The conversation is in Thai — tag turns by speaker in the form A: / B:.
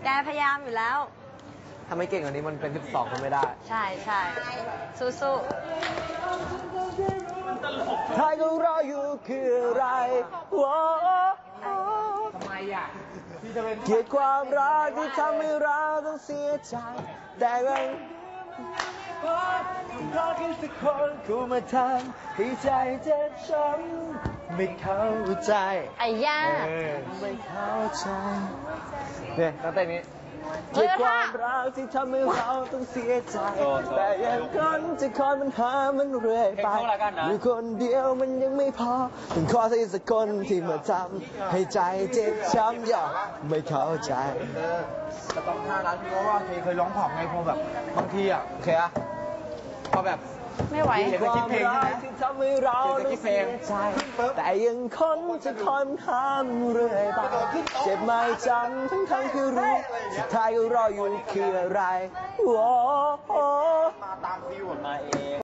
A: แกพยายามอยู่แล้ว
B: ทำให้เก่งกว่านี้มันเป็น12ก็ไม่ได้
A: ใช่ใช่สู้
B: ๆท้ายก็รออยู่คืออะไรทำไมอ่ะเกลียดความรักที่ทำให้เราต้องเสียใจแต่ยังรอแค่สักคนกูมาทำให้ใจเจ็บช้ำไม่เข้าใจ
A: ไอ้ย่า
B: ไม่เข้าใจเนี่ยตั้งแต่นี้เกลียดความรักที่ทำให้เราต้องเสียใจแต่ยังคนจะคอยมันหามันเรื่อยไปอยู่คนเดียวมันยังไม่พอต้องขอสักคนที่มาทำให้ใจเจ็บช้ำอย่าไม่เข้าใจแต่ต้องท่านั้นเพราะว่าเคยร้องผอมไงพอแบบบางทีอ่ะโอเคอะพอแบบ
A: ไม่ไหว
B: เห็นความรักที่ทำให้เราต้องเสียใจแต่ยังคนจะคอยมันหามันเรื่อยไปเจ็บไม่จำทั้งที่รู้สุดท้ายก็รออยู่คืออะไร